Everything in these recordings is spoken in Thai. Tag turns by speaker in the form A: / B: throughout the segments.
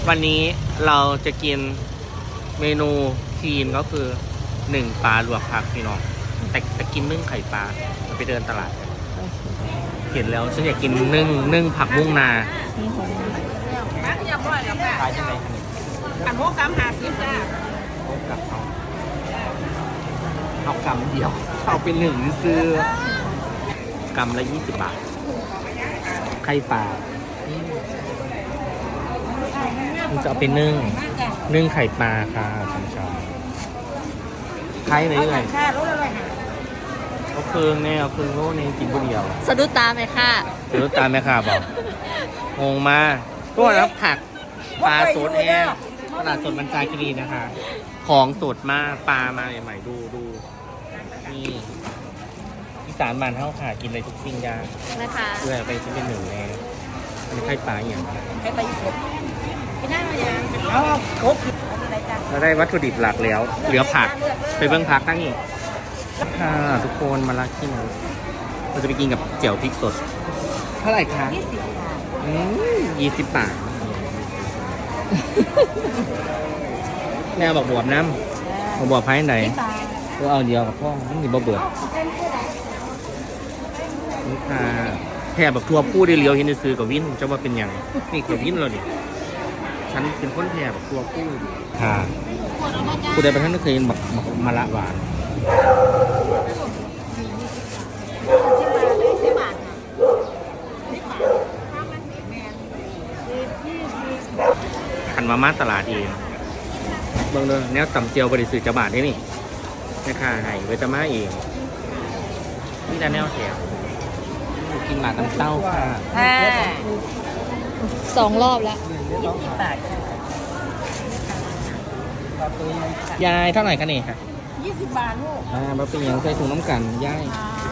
A: วันนี้เราจะกินเมนูคีนก็คือ1ปลาลวกผักพี่น้องแต่กินนึ่งไข่ปลาไปเดินตลาดเห็นแล้วฉันอยากกินนึ่งผักบุ้งนาขายยังไง
B: อันโมกำ50จ้า
A: กับเอากำเดียวเอาเป็นหนึ่งซื้อกำละ20 บาทไข่ปลามันจะเอาเป็นนึ่งไข่ปลาค่ะชมๆไข่ไหนเลย
B: ค่ารถอะไรหา
A: เอาเครื่องเนี่ยเอาเครื่องโลนี่กินคนเดียว
C: สะดุดตาไหมค่ะ
A: เดี๋ยวตามแม่ค่ะบอกงงมาตัวนะผักปลาสดแห้งตลาดสดบรรจาคีรีนะคะ ของสดมากปลามาใหม่ๆดูนี่อีสานบ้านเท่าค่ะกินอะไรทุกสิ่งอย่าง
C: นะคะ
A: เพื่อไปชิ้นเป็นหนึ่งแน่อันนี้ไข่ปลาอย่าง
B: ให้ไปเสร็จพี่นั่งมายังเอาครบอะไรจ้า
A: เราได้วัตถุดิบหลักแล้ว เหลือผักไปเบื้องผักตั้งอีกค่ะทุกคนมาลักกินเราจะไปกินกับเจียวพริกสดเท่าไหร่คะ 20 บาทแม่บอกบวบน้ำบวบไพ่ไหนก็เอาเดียวกับพ่อไม่มีบวบนี่ค่ะแค่แบบทัวร์พูดได้เลี้ยวเห็นซื้อกับวินจะว่าเป็นอย่างนี่กับวินเราดิฉันเป็นคนแค่แบบทัวร์พูดค่ะผู้ใดประท่านก็เคยบอกมาละหวานหันมาตลาดเองเบิ่งเลยแนวต่ำเจียวบริสุทธิ์จะบาทได้นี่แม่ค้าให้เวทมาเองนี่จะแนวแถวกินหมาน้ำเต้าค่ะ
C: 2 รอบแล้ว
B: 20 บาท
A: ยายเท่าไหร่กันนี่ค่ะ
B: 20 บาทลูก
A: มาเป็นอย่างใส่ถุงน้ำกันยาย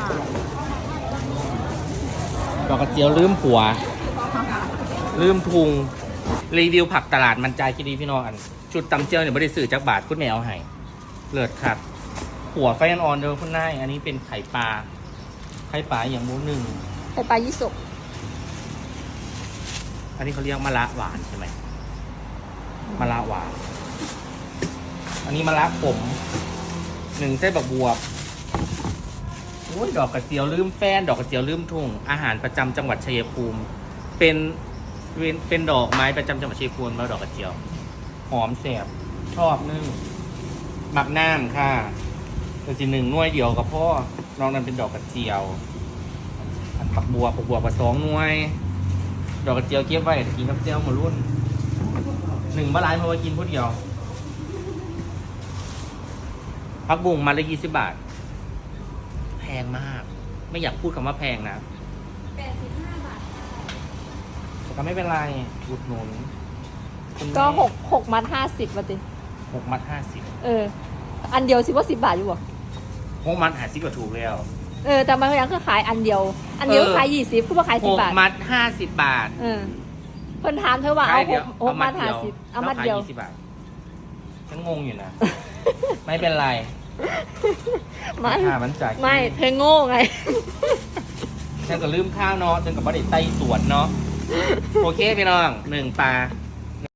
A: ดอกกระเจียวลืมผัวลืมพุงรีวิวผักตลาดมันใจคิดดีพี่น้องอันชุดตำเจียวเนี่ยบริสุทธิ์จากบาทคุณแมวให้เลิศครับหัวไฟอ่อนๆเดิมคุณนายอันนี้เป็นไข่ปลาอย่างมูหนึ่ง
C: ไข่ปลายี่สก
A: อันนี้เขาเรียกมะระหวานใช่ไหมมะระหวานอันนี้มะระขม1 ไส้บักบวบโอ้ยดอกกระเจียวลืมแฟนดอกกระเจียวลืมทุ่งอาหารประจำจังหวัดชัยภูมิเป็นดอกไม้ประจำจังหวัดชัยภูมิแล้วดอกกระเจียวหอมแสบชอบนึ่งหมักน้ำค่ะตัวที่1 หน่วยเดียวกับพ่อนอกนั้นเป็นดอกกระเจียวอันบักบวบกับ2 หน่วย ดอกกระเจียวเก็บไว้กินกับเจียวมารุ่น1 บาทเพราะว่ากินผู้เดียวผักบุ้งมาละ20 บาทแพงมากไม่อยากพูดคำว่าแพงนะ85 บาทแต่ก็ไม่เป็นไรอุดหนุน
C: ก็6 มัด 50มาติ
A: 6 มัด
C: อันเดียวสิว่า10 บาทอยู่บ่
A: 50 6 มัด50ก็ถูกแล้ว
C: แต่มันยังคือขายอันเดียวขาย20คือว่าขาย10 บาท
A: 6 มัด 50 บาท
C: เพิ่นถามเธอว่าเอา6 มัด
A: 50
C: 50เอามัดเดียว
A: 20 บาทฉันงงอยู่นะ ไม่เป็นไร มันจ่าย
C: ไม่เธอโง่ไง
A: ฉันก็ลืมข้าวเนาะฉันก็บ่ได้ไต่สวนเนาะโอเคพี่น้อง1 ปลา